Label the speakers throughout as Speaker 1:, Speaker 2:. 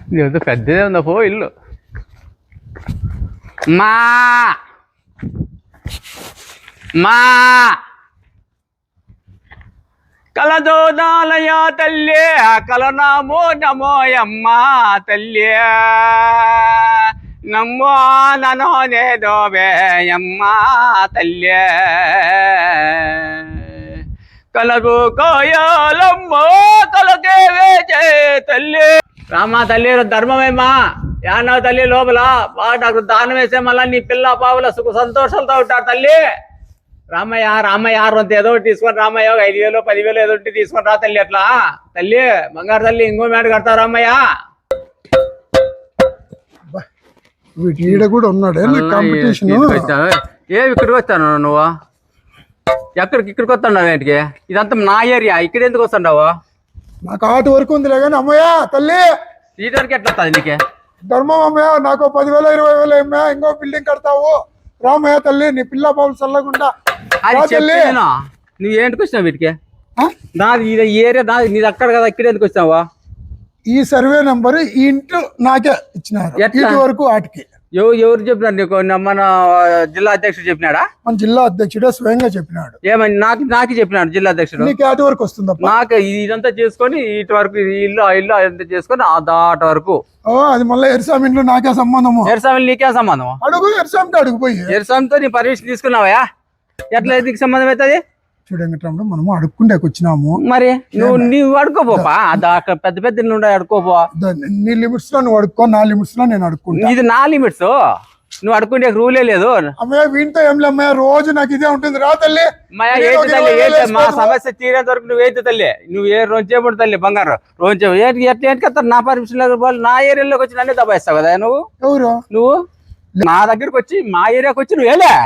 Speaker 1: నీతో పెద్దదే ఉందా పో ఇల్లు. మా మా కలదోదాలయ తల్లి కలనామో నమోయమ్మ తల్లి నమ్మో ననోనేదోవేయమ్మ తల్లి కలకు కోయాలమ్మో కలకేవే తల్లి రామా తల్లి ధర్మమేమ్మా యానా తల్లి లోపల నాకు దానం వేసే మళ్ళీ నీ పిల్ల పావుల సుఖ సంతోషాలతో ఉంటారు తల్లి. రామయ్య రామయ్య రొంత ఏదో ఒకటి తీసుకొని రామయ్య 5,000 10,000 ఏదో ఒకటి తీసుకొని రా తల్లి. అట్లా తల్లి బంగారు తల్లి ఇంకో మేడ కడతావు రామయ్య.
Speaker 2: ఈడ కూడా ఉన్నాడే కాంపిటీషన్.
Speaker 1: ఏమి ఇక్కడికి వచ్చాను నువ్వు? ఇక్కడికి వస్తున్నావు ఏంటికి? ఇదంతా నా ఏరియా, ఇక్కడ ఎందుకు వస్తున్నావు?
Speaker 2: నాకు ఆటు వరకు ఉందిలే కానీ అమ్మయ్య తల్లి
Speaker 1: ఈ వరకు ఎట్లా వస్తుంది నీకే?
Speaker 2: ధర్మం అమ్మయ్య, నాకు 10,000 20,000 అమ్మయ్య, ఇంకో బిల్డింగ్ కడతావు రామయ్య తల్లి. నీ పిల్ల పాపలు చల్లకుండా
Speaker 1: నువ్వు ఏంటికి వచ్చినావు వీటికి? నాది ఏరియా నాది, నీది అక్కడ కదా, ఇక్కడ ఎందుకు వచ్చినావా?
Speaker 2: ఈ సర్వే నెంబర్ ఈ ఇంట్లో నాకే ఇచ్చినారు. ఇటు వరకు వాటికి
Speaker 1: ఎవరు చెప్పినారు నీకు? మన జిల్లా అధ్యక్షుడు చెప్పినాడా?
Speaker 2: మన జిల్లా అధ్యక్షుడే స్వయంగా చెప్పినాడు.
Speaker 1: ఏమని నాకు చెప్పినాడు జిల్లా అధ్యక్షుడు?
Speaker 2: నీకు అటు వరకు వస్తుంది.
Speaker 1: నాకు ఇదంతా చేసుకొని ఇటు వరకు ఇల్లు అంతా చేసుకొని దాట వరకు.
Speaker 2: అది మళ్ళీ ఎర్సామి ఇంట్లో నాకే సంబంధము.
Speaker 1: ఎర్సామి నీకే సంబంధం?
Speaker 2: అడుగు ఎర్సామితో అడుగుపోయి.
Speaker 1: ఎర్సామితో నీ పర్మిషన్ తీసుకున్నావా? ఎట్లా నీకు సంబంధం అవుతుంది?
Speaker 2: చూడండి మనము అడుక్కుండేకి వచ్చినాము.
Speaker 1: మరి నువ్వు అడుకోపోపా, పెద్ద పెద్ద ఇల్లు ఉండే అడుకోపో.
Speaker 2: నీ లిమిట్స్ లో నువ్వు అడుక్కో, నా లిమిట్స్ లో నేను అడుక్కుంటా.
Speaker 1: ఇది నా లిమిట్స్, నువ్వు అడుక్కుంటే రూలే లేదు.
Speaker 2: అమ్మయ్య వీటితో ఏం లేమ్మయ్య, రోజు నాకు ఇదే ఉంటుంది. రా తల్లి
Speaker 1: మా సమస్య తీరేంత వరకు నువ్వు అయితే తల్లి. నువ్వు ఏ రోజు చేయబడి తల్లి బంగారు రోజు ఎట్లా నా పర్మిషన్ నా ఏరియాలోకి వచ్చి నన్నే దబాయిస్తావు కదా నువ్వు.
Speaker 2: ఎవరు
Speaker 1: నువ్వు నా దగ్గరకు వచ్చి మా ఏరియాకి వచ్చి నువ్వు లే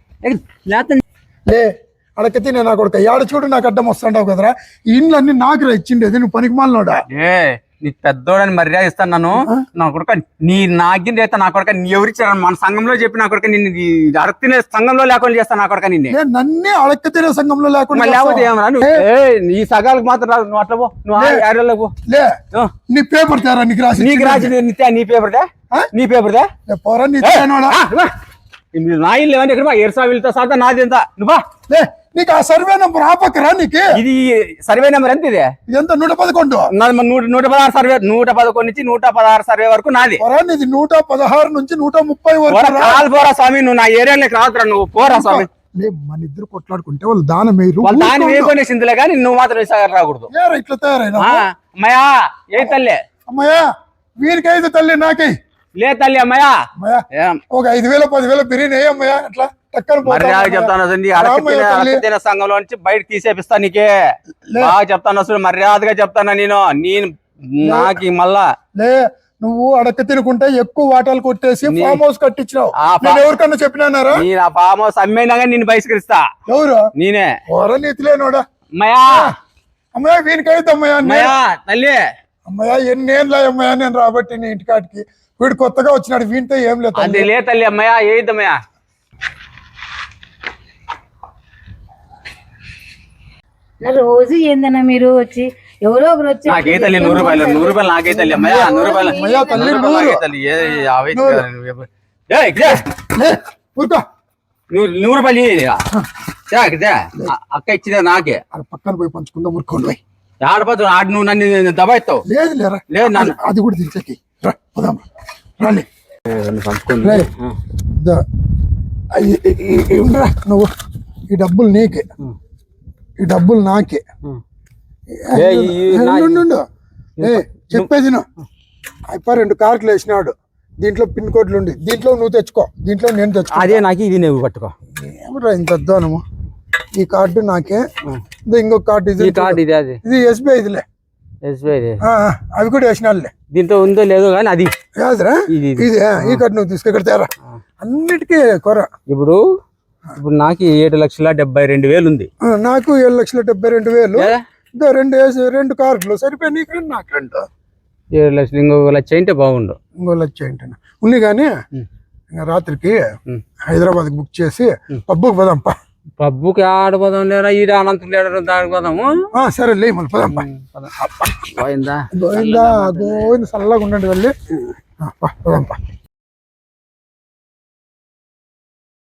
Speaker 2: అడకతి నేను నాకు ఒక ఏడ చూడు నాకు అడ్డం వస్తుంటావు కదరా. ఈ ఇండ్లు అన్ని నాకు ఇచ్చిండేది, నువ్వు పనికి మాలనోడా?
Speaker 1: నీ పెద్దోడని మర్యాద ఇస్తాను నన్ను. నా కొడుక నీ నాగిన రేత నా కొడుక నీ ఎవరిచ్చారు? మన సంఘంలో చెప్పి నా కొడుక నిన్ను అడక తినే సంఘంలో లేకుండా చేస్తాను నా కొడుక. నిన్ను
Speaker 2: నన్నే అడక తినే సంఘంలో లేకుండా
Speaker 1: లేకపోతే ఏమరా ఈ సగాలకు మాత్రం నువ్వు అట్లా పో, నువ్వు ఏరియాలో
Speaker 2: లే. నీ పేపర్ తేరా, నీకు రాసి
Speaker 1: నీ పేపర్
Speaker 2: పోరా నీ
Speaker 1: నా ఇల్లు ఏమని ఇక్కడ ఎర్సావిలతో సహా నాది ఎంత నువ్వా?
Speaker 2: నీకు ఆ సర్వే నెంబర్ ఆపకరా? నీకు
Speaker 1: ఇది సర్వే నెంబర్ ఎంత? ఇది
Speaker 2: ఎంత 111?
Speaker 1: 116 సర్వే, 111 నుంచి 116 సర్వే వరకు నాది.
Speaker 2: నీది 116 నుంచి 130 వరకు.
Speaker 1: పోరా స్వామి, నువ్వు నా ఏరియాలోకి రావుతురా. నువ్వు పోరా స్వామి.
Speaker 2: మన ఇద్దరు కొట్లాడుకుంటే వాళ్ళు దానం
Speaker 1: దాన్ని వేయకొనేసిందిలే కానీ నువ్వు మాత్రం రాకూడదు.
Speaker 2: ఇట్లా తయారైనా
Speaker 1: అమ్మయ్యా ఏ తల్లి?
Speaker 2: అమ్మయ్యా వీరికైతే తల్లి నాకై
Speaker 1: లే తల్లి. అమ్మయ్యా
Speaker 2: ఒక 5,000 10,000 బిర్యానీ అమ్మయ్యా. అట్లా
Speaker 1: మర్యాద చెప్తాను సంఘంలో నుంచి బయటకు తీసేపిస్తా. నీకే బాగా చెప్తాను, అసలు మర్యాదగా చెప్తాను. నేను నాకు మళ్ళా
Speaker 2: నువ్వు అడక తినుకుంటే ఎక్కువ వాటాలు కొట్టేసి ఫామ్ హౌస్ కట్టించినావు. ఎవరికన్నా చెప్పినారా?
Speaker 1: నేను ఆ ఫామ్ హౌస్ అమ్మైనా కానీ నేను బహిష్కరిస్తా.
Speaker 2: ఎవరు?
Speaker 1: నేనే.
Speaker 2: నీతిలేనోడా
Speaker 1: అమ్మయ్యా.
Speaker 2: అమ్మయ్యా వీనికైతే
Speaker 1: అమ్మయ్యా తల్లి.
Speaker 2: అమ్మయ్యా ఎన్నేళ్ళ అమ్మయ్యా నేను రాబట్టి నీ ఇంటికాటికి. వీడు కొత్తగా వచ్చినాడు, వీనితో ఏం లేదు.
Speaker 1: లే తల్లి. అమ్మయ్యా ఏదమ్మయ్యా.
Speaker 3: రోజు ఏందన్నా మీరు వచ్చి ఎవరో ఒకరు వచ్చి
Speaker 1: నాకే తల్లి 100 రూపాయలు నాకే తల్లి. అమ్మయ్యా 100 రూపాయలు తల్లి. 100 రూపాయలు అక్క ఇచ్చిందా నాకే?
Speaker 2: పక్కన పోయి పంచుకుందాం. మురుకోండి
Speaker 1: ఆడపోతు ఆడు నువ్వు నన్ను దబాయిస్తావు.
Speaker 2: లేదు లేరా,
Speaker 1: లేదు నన్ను
Speaker 2: అది కూడా దించకి నువ్వు ఈ డబ్బులు నీకే, ఈ డబ్బులు నాకే. చెప్పేది అయిపో 2 కార్లు వేసినాడు. దీంట్లో పిన్ కోడ్లు ఉండి దీంట్లో నువ్వు తెచ్చుకో, దీంట్లో నేను తెచ్చుకో.
Speaker 1: అదే నాకు ఇది నువ్వు పట్టుకో.
Speaker 2: ఏమరా ఇంత అద్దానము? ఈ కార్డు నాకే, ఇంకొక కార్డు ఇది SBI ఇదిలే. అవి కూడా వేసినాడులే.
Speaker 1: దీంట్లో ఉందో లేదో కానీ అది
Speaker 2: ఇది ఈ కార్డు నువ్వు తీసుకు ఇక్కడ తేరా. అన్నిటికీ కొర.
Speaker 1: ఇప్పుడు నాకు 7,72,000 ఉంది.
Speaker 2: నాకు 7,72,000. 2 కార్లు సరిపోయి నీకు 2 నాకు 2.
Speaker 1: 7 లక్షలు. ఇంకో 1 లక్ష అంటే బాగుండు.
Speaker 2: ఇంకో 1 లక్ష ఏంటి ఉంది కానీ రాత్రికి హైదరాబాద్ బుక్ చేసి పబ్బుకి పోదాంపా.
Speaker 1: పబ్బుకి ఆడిపోదాం లేరా ఈడ అనంతం లేడరు దాడిపోదాము
Speaker 2: సరే లే మళ్ళీ పోదాం
Speaker 1: పోయిందా
Speaker 2: గోవిందా గోవింద చల్లగా ఉండండి వెళ్ళి పోదాం